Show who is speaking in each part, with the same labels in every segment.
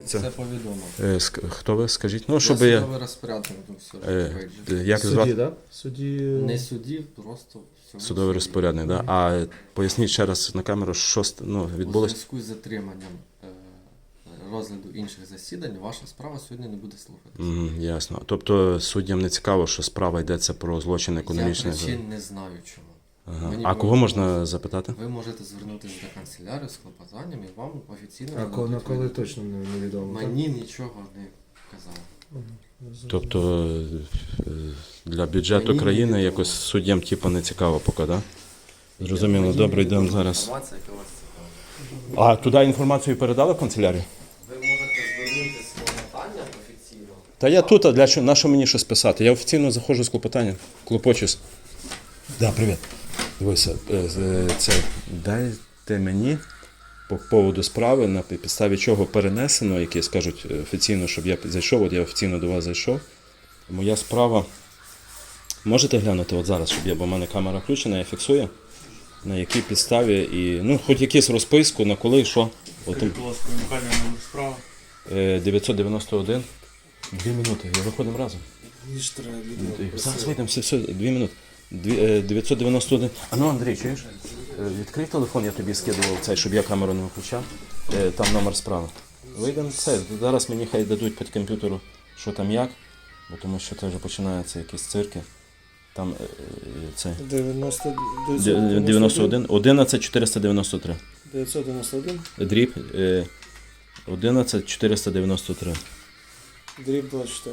Speaker 1: Дивіться.
Speaker 2: Це повідомив.
Speaker 1: Хто ви, скажіть? Ну,
Speaker 2: Я
Speaker 1: щоб я...
Speaker 2: судовий розпорядник.
Speaker 1: Як
Speaker 3: Судді,
Speaker 1: звати?
Speaker 3: так? Судді...
Speaker 2: Не суддів, просто...
Speaker 1: Судовий розпорядник, так? Да? А поясніть ще раз на камеру, що
Speaker 2: У
Speaker 1: відбулося?
Speaker 2: зв'язку з затриманням розгляду інших засідань, ваша справа сьогодні не буде слухатися.
Speaker 1: Ясно. Тобто суддям не цікаво, що справа йдеться про злочин економічний?
Speaker 2: Я причин не знаю чому.
Speaker 1: Ага.
Speaker 2: Мені
Speaker 1: А кого можна запитати?
Speaker 2: Ви можете звернутися до канцелярії з клопотанням і вам офіційно...
Speaker 3: А
Speaker 2: нададуть
Speaker 3: на коли
Speaker 2: відповідь.
Speaker 3: точно невідомо? так?
Speaker 2: Мені нічого не казали.
Speaker 1: Тобто для бюджету
Speaker 2: Мені
Speaker 1: країни
Speaker 2: невідомо.
Speaker 1: якось суддям типу не цікаво поки, так? Да? Зрозуміло, добре, йдемо зараз.
Speaker 2: Інформація, яка вас цікавить.
Speaker 1: А туди інформацію передали в канцелярію?
Speaker 2: Ви можете звернутися з клопотанням офіційно.
Speaker 1: Та я тут, а для чого, на що мені щось писати? Я офіційно заходжу з клопотанням, клопочусь. Да, привіт. Дивися, це дайте мені по поводу справи, на підставі чого перенесено, які скажуть офіційно, щоб я зайшов, от я офіційно до вас зайшов. Моя справа, можете глянути от зараз, щоб я, бо в мене камера включена, я фіксую, на якій підставі, і, ну, хоч якусь розписку, на коли, що. От,
Speaker 4: Будь ласка, унікальний номер справи.
Speaker 1: 991. 2 минути, я виходимо разом. Зараз вийдемо, все, 2 минути. 991. А ну, Андрій, чуєш? Відкрий телефон, я тобі скидував цей, щоб я камеру не виключав. Там номер справи. Вийдемо все. Зараз мені хай дадуть під комп'ютеру, що там як, бо тому що це вже починаються якісь цирки. Там цей 91, 11 493.
Speaker 3: 991,
Speaker 1: Дріб 11 493.
Speaker 3: дріб 24.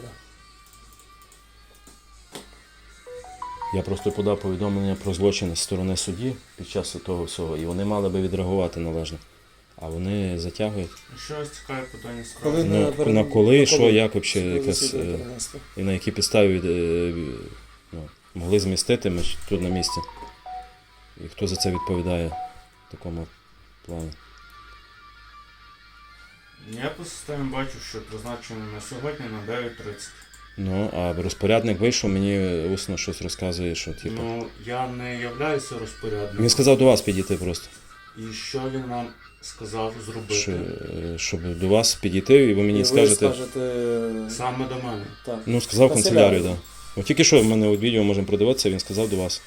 Speaker 1: Я просто подав повідомлення про злочин з сторони судді під час того всього, і вони мали би відреагувати належно. А вони затягують.
Speaker 4: Що вас цікаве питання справи?
Speaker 3: Коли
Speaker 1: На коли, що, як взагалі,
Speaker 3: Коли
Speaker 1: якась,
Speaker 3: засідання перенести?
Speaker 1: і на якій підставі могли змістити ми ж тут на місці. І хто за це відповідає в такому плані.
Speaker 4: Я по системі бачу, що призначено на сьогодні на 9:30.
Speaker 1: Ну, а розпорядник вийшов, мені усно щось розказує, що типу.
Speaker 4: Ну, я не являюся розпорядником.
Speaker 1: Він сказав до вас підійти просто.
Speaker 4: І що він вам сказав зробити?
Speaker 1: Щоб до вас підійти, і ви мені
Speaker 3: І ви
Speaker 1: скажете.
Speaker 4: Саме до мене.
Speaker 3: Так.
Speaker 1: Ну, сказав
Speaker 3: Канцелярію.
Speaker 1: канцелярію, так. Да. От тільки що в мене от відео можемо продивитися, він сказав до вас.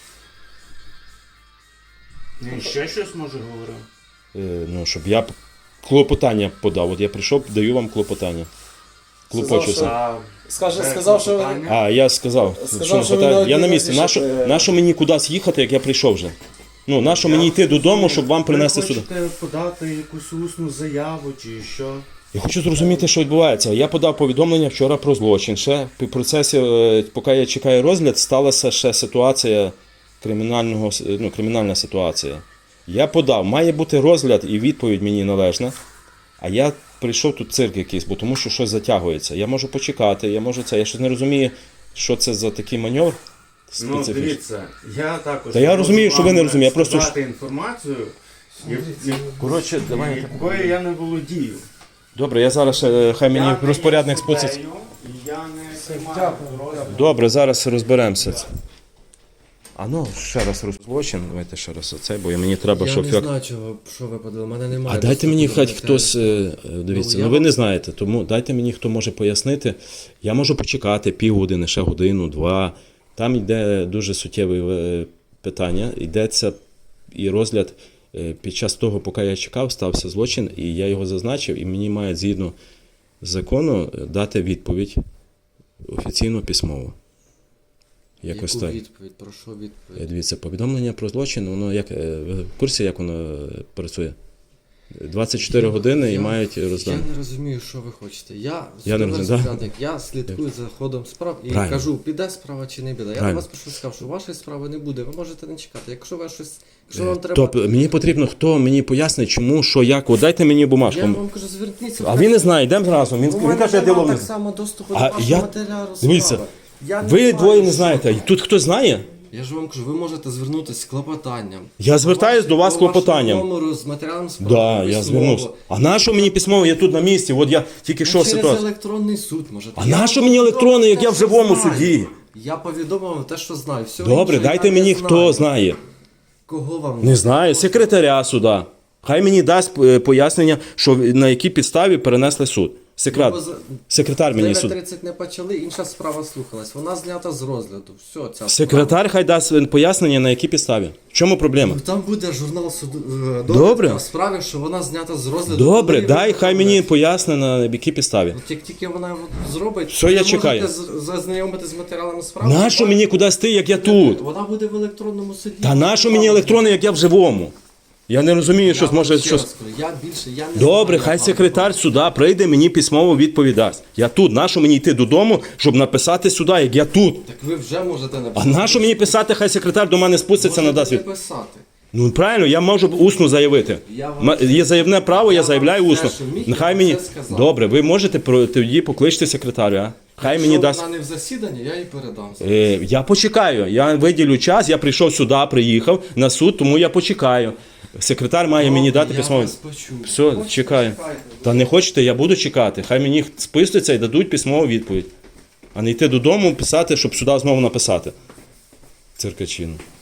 Speaker 4: Він ще щось може говорив?
Speaker 1: Ну, щоб я клопотання подав. От я прийшов, даю вам клопотання. Клопочуся.
Speaker 3: Сказав, що...
Speaker 4: питання?
Speaker 1: А, я сказав.
Speaker 3: Сказав, що
Speaker 1: питаю?
Speaker 3: ви навіть
Speaker 1: Я на
Speaker 3: не
Speaker 1: місці.
Speaker 3: напишете.
Speaker 1: Нащо мені кудись їхати, як я прийшов вже? Ну, нащо мені йти додому, щоб вам принести сюди?
Speaker 4: Ви хочете подати якусь усну заяву чи що?
Speaker 1: Я хочу зрозуміти, що відбувається. Я подав повідомлення вчора про злочин. Ще в процесі, поки я чекаю розгляд, сталася ще ситуація кримінальна ситуація. Я подав, має бути розгляд і відповідь мені належна. А я прийшов тут цирк якийсь, бо тому що щось затягується. Я можу почекати, я щось не розумію, що це за такий маневр
Speaker 4: Ну,
Speaker 1: специфічний.
Speaker 4: дивіться, я також...
Speaker 1: Та я розумію, що ви не розумієте, я просто-
Speaker 4: Дати інформацію,
Speaker 1: Коротше, давай.
Speaker 4: якою я не володію.
Speaker 1: Добре, я зараз хай мені розпорядник спуститься.
Speaker 4: Я не приймаю
Speaker 3: Дякую.
Speaker 4: розгляд.
Speaker 1: Добре, зараз розберемося. А ну, ще раз злочин, давайте ще раз оцей, бо мені треба,
Speaker 2: Я
Speaker 1: щоб...
Speaker 2: не знаю, що ви подали. У мене немає.
Speaker 1: А дайте мені
Speaker 2: доступу
Speaker 1: хоч
Speaker 2: до
Speaker 1: хтось,
Speaker 2: матеріалів.
Speaker 1: дивіться,
Speaker 2: я
Speaker 1: ну ви
Speaker 2: вам-
Speaker 1: не знаєте, тому дайте мені, хто може пояснити. Я можу почекати півгодини, ще годину, 2. Там йде дуже суттєве питання, йдеться і розгляд під час того, поки я чекав, стався злочин, і я його зазначив, і мені мають згідно закону дати відповідь офіційно письмово. Якось
Speaker 2: Яку
Speaker 1: так.
Speaker 2: відповідь? Про що відповідь?
Speaker 1: Дивіться, повідомлення про злочин, воно як ви в курсі, як воно працює? 24 години і мають роздати.
Speaker 2: Я не розумію, що ви хочете. Я
Speaker 1: Я не
Speaker 2: судовий
Speaker 1: розумію, да?
Speaker 2: розпорядник, я слідкую за ходом справ і
Speaker 1: Правильно.
Speaker 2: кажу, піде справа чи не піде. Я
Speaker 1: Правильно.
Speaker 2: вас прошу сказав, що вашої справи не буде, ви можете не чекати. Якщо вам треба...
Speaker 1: Тобто мені потрібно, хто мені пояснить, чому, що, як. От дайте мені бумажку.
Speaker 2: Я вам кажу, зверніться.
Speaker 1: А він не знає, йдемо разом. Він каже, я ділом не
Speaker 2: так
Speaker 1: знаю.
Speaker 2: само доступу
Speaker 1: А
Speaker 2: до вашого
Speaker 1: я-
Speaker 2: матеріалу
Speaker 1: Дивіться,
Speaker 2: справи. Я
Speaker 1: Ви
Speaker 2: знаю,
Speaker 1: двоє не
Speaker 2: що-
Speaker 1: знаєте. Тут хтось знає?
Speaker 2: Я ж вам кажу, ви можете звернутися з клопотанням.
Speaker 1: Я звертаюсь до вас з клопотанням.
Speaker 2: Номеру з матеріалом справи.
Speaker 1: Да, я
Speaker 2: письмово.
Speaker 1: звернувся. А нащо мені письмово? Я тут на місці. От я тільки що
Speaker 2: Через
Speaker 1: ситуація.
Speaker 2: електронний суд можете.
Speaker 1: А
Speaker 2: Я
Speaker 1: нащо
Speaker 2: вам
Speaker 1: мені електронний, як
Speaker 2: те,
Speaker 1: я в
Speaker 2: що
Speaker 1: живому
Speaker 2: знаю.
Speaker 1: суді?
Speaker 2: Я повідомив вам те, що знаю. Все
Speaker 1: Добре,
Speaker 2: інше
Speaker 1: дайте
Speaker 2: я
Speaker 1: мені,
Speaker 2: не
Speaker 1: хто
Speaker 2: знаю.
Speaker 1: знає.
Speaker 2: Кого вам?
Speaker 1: Не знаю, секретаря суда. Хай мені дасть пояснення, що на якій підставі перенесли суд. Секретар мені суд.
Speaker 2: 9:30 не почали, інша справа слухалась. Вона знята з розгляду. Все, ця
Speaker 1: Секретар хай дасть пояснення, на якій підставі. В чому проблема?
Speaker 2: Там буде журнал суду
Speaker 1: Добре.
Speaker 2: в справі, що вона знята з розгляду.
Speaker 1: Добре,
Speaker 2: Коли
Speaker 1: дай
Speaker 2: ви
Speaker 1: хай мені
Speaker 2: розглядаєте.
Speaker 1: поясне, на якій підставі.
Speaker 2: От як тільки вона зробить,
Speaker 1: Все, я
Speaker 2: ви
Speaker 1: чекаю.
Speaker 2: можете зазнайомити з матеріалами справи.
Speaker 1: Нащо мені кудись ти, як я тут?
Speaker 2: Вона буде в електронному суді.
Speaker 1: Та нащо мені електронний, як я в живому? Я не розумію, що
Speaker 2: Я
Speaker 1: може
Speaker 2: ще
Speaker 1: щось.
Speaker 2: раз кажу, я більше, я не
Speaker 1: Добре,
Speaker 2: знаю,
Speaker 1: хай
Speaker 2: як вам
Speaker 1: секретар суда прийде, мені письмово відповідасть. Я тут, нащо мені йти додому, щоб написати сюди, як я тут?
Speaker 2: Так ви вже можете
Speaker 1: А
Speaker 2: написати.
Speaker 1: нащо мені писати, хай секретар до мене спуститься, надасть
Speaker 2: Можете
Speaker 1: від...
Speaker 2: не писати.
Speaker 1: Ну правильно, я можу усно заявити.
Speaker 2: Я вам-
Speaker 1: Є заявне право, я
Speaker 2: Я
Speaker 1: заявляю
Speaker 2: вам
Speaker 1: усно.
Speaker 2: все, що міг,
Speaker 1: Нехай
Speaker 2: я
Speaker 1: мені.
Speaker 2: все сказав.
Speaker 1: Добре, ви можете тоді покличте секретаря. Хай мені
Speaker 2: Якщо
Speaker 1: дасть.
Speaker 2: вона не в засіданні, я їй передам.
Speaker 1: Я почекаю. Я виділю час, я прийшов сюди, приїхав на суд, тому я почекаю. Секретар має мені дати письмове.
Speaker 2: Я вас почув.
Speaker 1: Все,
Speaker 2: Хочете,
Speaker 1: чекаю.
Speaker 2: чекайте.
Speaker 1: Та не хочете, я буду чекати. Хай мені спустяться і дадуть письмову відповідь. А не йти додому, писати, щоб сюди знову написати. Циркачину.